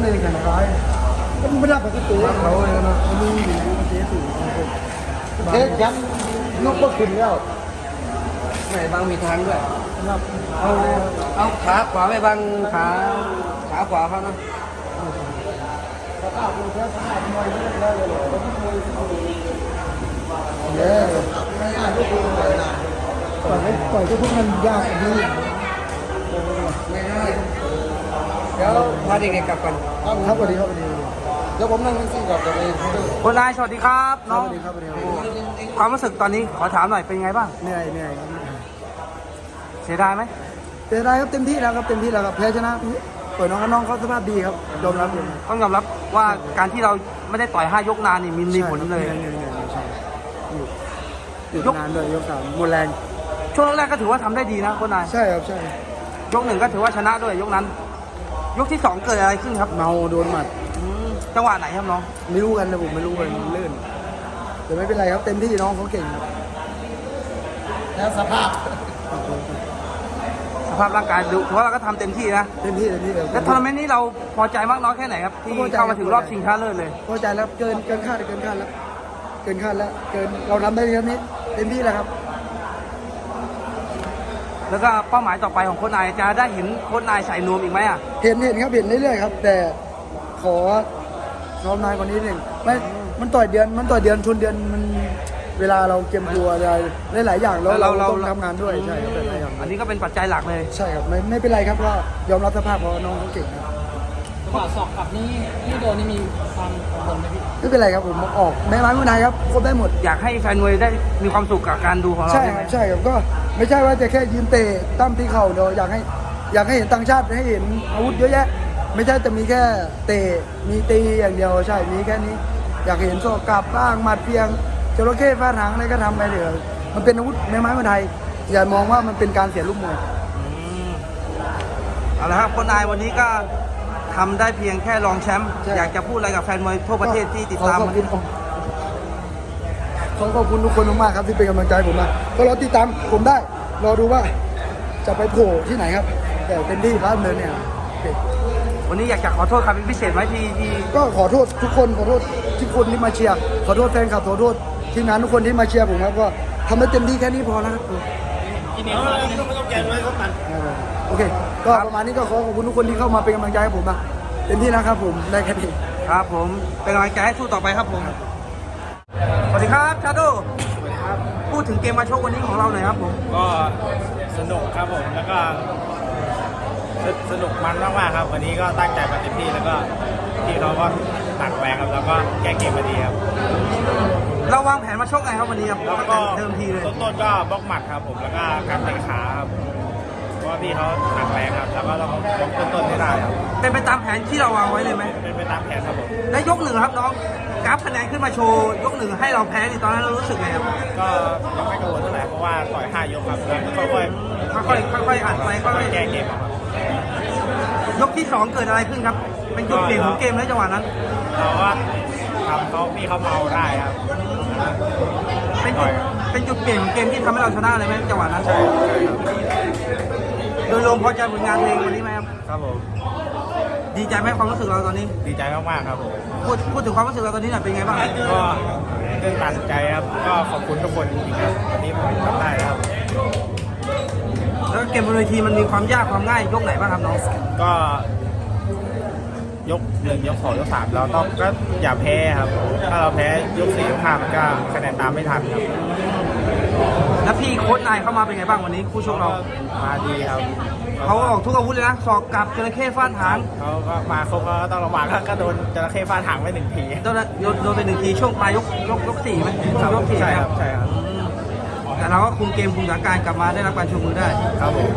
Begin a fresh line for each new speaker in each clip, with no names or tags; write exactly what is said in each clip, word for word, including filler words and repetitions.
เลยแข่งซ้ายก็ไม่ได้ปกติเขาเลยนะมีเจ๊สูงเจ๊ยันนกก็ขึ้นแล้ว
ไหนบางมีทางด้วย
ครับ
เอาเอาขาขวาไปบางขาขาขวาเขานะ
สภาพเราแค่สภาพมวยไม่ได้เลยเราไม่มวยเนี่ยไม่ได้ก็คือปล่อยปล่อยก็พวกมันยากดี
ไม่ได้เดี๋ยวพาเด็กๆกลับก่อน
ครับสวัสดีครับสวัสดีเดี๋ยวผมนั่งแท็กซี่กลับตัวเอง
คนนายสวัสดีครับน้อง
สวัสดีครับสวัสดีครับ
ความรู้สึกตอนนี้ขอถามหน่อยเป็นไงบ้าง
เหนื่อยเหนื่อยครับ
เสียดายไหม
เสียดายครับเต็มที่แล้วครับเต็มที่แล้วครับแพ้ชนะเปิดน้องกับน้องเขาสภาพดีครับยอมรับเลย
ต้องยอมรับว่าการที่เราไม่ได้ต่อยห้ายกนานนี่มีมีผลเลย
ใช่อยู่นานด้วยยกสามหมดแรง
ช่วงแรกก็ถือว่าทำได้ดีนะคนนาย
ใช่ครับใช่
ยกหนึ่งก็ถือว่าชนะด้วยยกนั้น ยกที่สองเกิดอะไรขึ้นครับ
เมาโดนหมัด
จังหวะไหนครับน้อง
ไม่รู้กันนะผมไม่รู้เลยมันลื่นแต่ไม่เป็นไรครับเต็มที่น้องเขาเก่งครับแล้วสภาพ
สภาพร่างกายดูถือว่าเราก็ทำเต็มที่นะ
เต็มที่เต็มที่เลย
และทัวร์นาเมนต์นี้เราพอใจมากน้อยแค่ไหนครับที่เข้ามาถึงรอบชิงชนะเลิศเลย
พอใจแล้วเกินเกินคาดเกินคาดแล้วเกินคาดแล้วเกินเราทำได้แค่นี้เต็มที่แล้วครับ
แล้วก็เป้าหมายต่อไปของโค้ชนายจะได้เห็นโค้ชนายใส่นวมอีกไหมอ่ะ
เห็นเห็นครับเห็นเรื่อยๆครับแต่ขอซ้อมนายกว่านี้หนึ่งไม่มันต่อยเดือนมันต่อยเดือนชนเดือนมันเวลาเราเก็บตัวอะไรหลายๆอย่างแล้วเราต้องทำงานด้วยใช่ครับหลายอย่าง
อันนี้ก็เป็นปัจจัยหลักเลย
ใช่ครับไม่ไม่เป็นไรครับก็ยอมรับสภาพเพราะน้องเขาเก่งครับ
จังหวะสอกกลับนี่ที่โดนนี่มีความกังวลไหมพี่
ไม่เป็นไรครับผมออกแม้ไม้มือนายครับครบได้หมด
อยากให้แฟนมวยได้มีความสุขกับการดูของเรา
ใช่
ใช่
ค
ไหม
รับใช่ครับก็ไม่ใช่ว่าจะแค่ยืนเตะตั้มที่เข่าเดียวอยากให้อยากให้เห็นต่างชาติให้เห็นอาวุธเยอะแยะ ไม่ใช่จะมีแค่เตะมีตีอย่างเดียวใช่มีแค่นี้ อยากเห็นโซ่กลับบ้างหมัดเพียงจระเข้ฟาดหางอะไรก็ทำไปเถอะมันเป็นอาวุธแม้ไม้มือไทยอย่ามองว่ามันเป็นการเสียลูกมวย
เอาละครับคนนายวันนี้ก็ทำได้เพียงแค่รองแชมป์
ใช่
อยากจะพูดอะไรกับแฟนมวยทั่วประเทศที่ติดตาม
ขอข
วั
อบ
น
คุ
นี้
ณขอขอบคุณทุกคนมากๆครับที่เป็นกำลังใจผมมาก็รอติดตามผมได้รอดูว่าจะไปโผล่ที่ไหนครับ แต่เป็นที่ร้านเนินเนี่ยโอเค
วันนี้อยากจะขอโทษครับเป็นพิเศษไหมที่ที่
ก็ขอโทษทุกคนขอโทษทุกคนที่มาเชียร์ขอโทษแฟนคลับขอโทษทีมงานทุกคนที่มาเชียร์ผมครับก็ทำได้เต็มที่แค่นี้พอแล้วครับ
กินเองไม่ต้องแกนไว้ก็ตัน
โอเคก็ประมาณนี้ก็ขอขอบคุณทุกคนที่เข้ามาเป็นกำลังใจให้ผมนะเต็มที่นะครับผมได้แค่นี้
ครับผมเป็นกำลังใจให้สู้ต่อไปครับผมสวัสดีครับชาโดพูดถึงเกมมาโชควันนี้ของเราหน่อยครับผม
ก็สนุกครับผมแล้วก็สสนุกมันมากๆครับวันนี้ก็ตั้งใจมาเต็มที่แล้วก็ที่เขาก็หนักแรงครับแล้วก็แก้เกมมาดีครับ
เราวางแผนมาโชคไงครับวันนี้ครับ
แล้วก็
เดิมทีเลย
ต้นๆก็บล็อกหมัดครับผมแล้วก็การเตะขาครับเพราะว่าพี่เขาหนักแรงครับแล้วก็ต้องบล็อกต้นๆให้ได้ครับ
เป็นไปตามแผนที่เราวางไว้เลยไหม
เป็นไปตามแผนครับผม
และยกหนึ่งครับน้องกราฟคะแนนขึ้นมาโชว์ยกหนึ่งให้เราแพ้ในตอนนั้นเรารู้สึกไงครับ
ก็ยังไม่กังวลเท่าไหร่เพราะว่าต่อยห้ายกครับแล้วค่อย
ค่อยๆค่อยๆอ่านไปค่อย
ๆแก้เกมเอาครับ
ๆยกที่สองเกิดอะไรขึ้นครับ เป็นจุดเปลี่ยนของเกมแล้วจังหวะนั้น
เราก็ทำเขาพี่เขาเมาได้ครับ
เป็นจุดเป็นจุดเปลี่ยนของเกมที่ทำให้เราชนะเลยไหมจังหวะนั้น
ใช่ใช่ครับ
โดยรวมพอใจผลงานเพลงวันนี้ไหมครับ
ครับผม
ดีใจไหมความรู้สึกเราตอนนี้
ดีใจมากๆครับผม
พูดพูดถึงความรู้สึกเราตอนนี้หน่อยเป็นไงบ้าง
ก็ตื่นตันใจครับ ก็ขอบคุณทุกคนจริงๆครับวันนี้ผมทำได้ครับ
แล้วเกมบนเวทีมันมีความยากความง่ายยกไหนบ้างครับน้อง
ก็ยกหนึ่งยกสองยกสามเราต้องก็อย่าแพ้ครับ ถ้าเราแพ้ยกสี่ยกห้ามันก็คะแนนตามไม่ทันครับ
แล้วพี่โค้ชนายเข้ามาเป็นไงบ้างวันนี้คู่ชกเรา
มาดีครับ
เขาออกทุกอาวุธเลยนะศอกกลับจระเข้ฟาดหาง
เขาก็มาครบก็ต้องระวังก็โดนจระเข้ฟาดหางไปหนึ่งที
โดนโดนโดนไปหนึ่งทีช่วงปลายยกยกยกสี่ไหมช่วงยกสี่
ใช่ครับใช่ครับ
แต่เราก็คุมเกมคุมสถานการณ์กลับมาได้รับการชูมือได้
ครับผม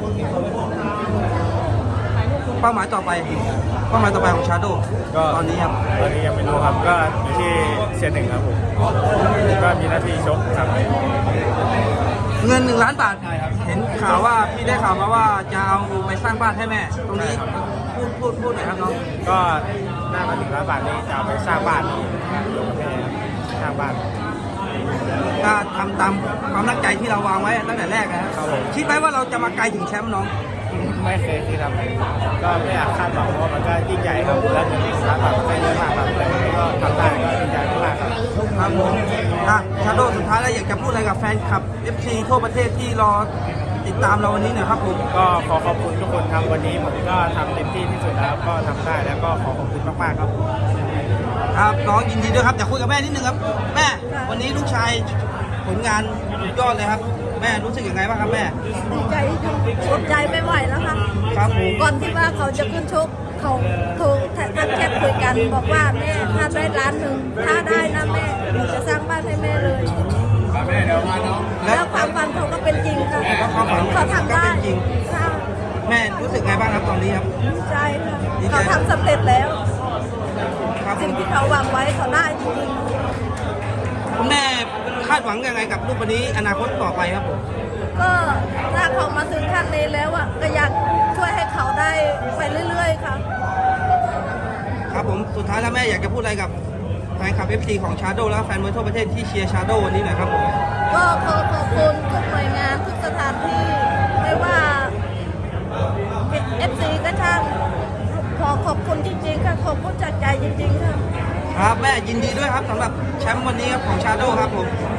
เป้าหมายต่อไปเป้าหมายต่อไปของชาโด
ก็
ตอนนี้ครับ
ตอนนี้ยังไม่รู้ครับก็อยู่ที่เซียนหนึ่งครับผมก็มีหน้าที่ชกครับ
เงินหนึ่งล้านบาทเห็นข่าวว่าพี่ได้ข่าวมาว่าจะเอาไปสร้างบ้านให้แม่ ตรงนี้พูดพูดพูดหน่อยครับน้อง
ก็หน้ามาถึงร้านบาทนี้จะเอาไปสร้างบ้านลงให้สร้างบ้าน
ก็ทำตามความตั้งใจที่เราวางไว้ตั้งแต่แรกนะครับ
ครับผม
คิดไหมว่าเราจะมาไกลถึงแชมป์น้อง
ไม่เคยที่ทำก็ไม่อยากคาดหวังเพราะว่ามันก็ยิ่งใหญ่ครับแล้วเงินที่ร้านบาทมันก็เยอะมากครับแต่วันนี้ก็ทำได้ก็ดีใจมากครับ
ครับผมอ่ะชาโดสุดท้ายแล้วอยากจะพูดอะไรกับแฟนคลับ เอฟ ซี ทั่วประเทศที่รอติดตามเราวันนี้หน่อยครับผม
ก็ขอขอบคุณทุกคนครับวันนี้ผมก็ทำเต็มที่ที่สุดแล้วก็ทำได้แล้วก็ขอขอบคุณมากๆครับ
ครับน้องยินดีด้วยครับอยากคุยกับแม่นิดนึงครับแม่วันนี้ลูกชายผลงานสุดยอดเลยครับแม่รู้สึกยังไงบ้างครับแม่
ดีใจอดใจไม่ไหวแล้วค่ะ
ครับผม
ก่อนที่ว่าเขาจะขึ้นชกเขาโทรทักแชทคุยกันบอกว่าแม่ถ้าได้ล้านหนึ่งถ้าได้นะแม่หนูจะสร้างบ้านให้แม่เลย แล้วความฝันเขาก็เป็นจริงค่ะ
แล้วความฝัน
เขาทำ
ก็
ได้
เป็นจริง
ค่ะ
แม่รู้สึกไงบ้างครับตอนนี้ครับ
ดีใจค่ะ
ดีใจ
เขาทำสำเร็จแล้ว
ครับ
สิ่งที่เขาหวังไว้เขาได้จริง
คุณแม่คาดหวังยังไงกับลูกคนนี้อนาคตต่อไปครับผม
ๆก็ถ้าเขามาถึงขั้นนี้แล้วอ่ะก็อยากช่วยให้เขาได้ไปเรื่อยๆค่ะ
ครับผมสุดท้ายแล้วแม่อยากจะพูดอะไรกับแฟนคลับ เอฟ ซี ของชาโดและแฟนมวยทั่วประเทศที่เชียร์ชาโดวันนี้หน่อยครับผม
ก็ขอขอบคุณทุกหน่วยงานทุกสถานที่ไม่ว่า เอฟ ซี ก็ช่างขอขอบคุณจริงๆค่ะขอบคุณจากใจจริงๆค่ะ
ครับแม่ยินดีด้วยครับสำหรับแชมป์วันนี้ครับของชาโดครับผม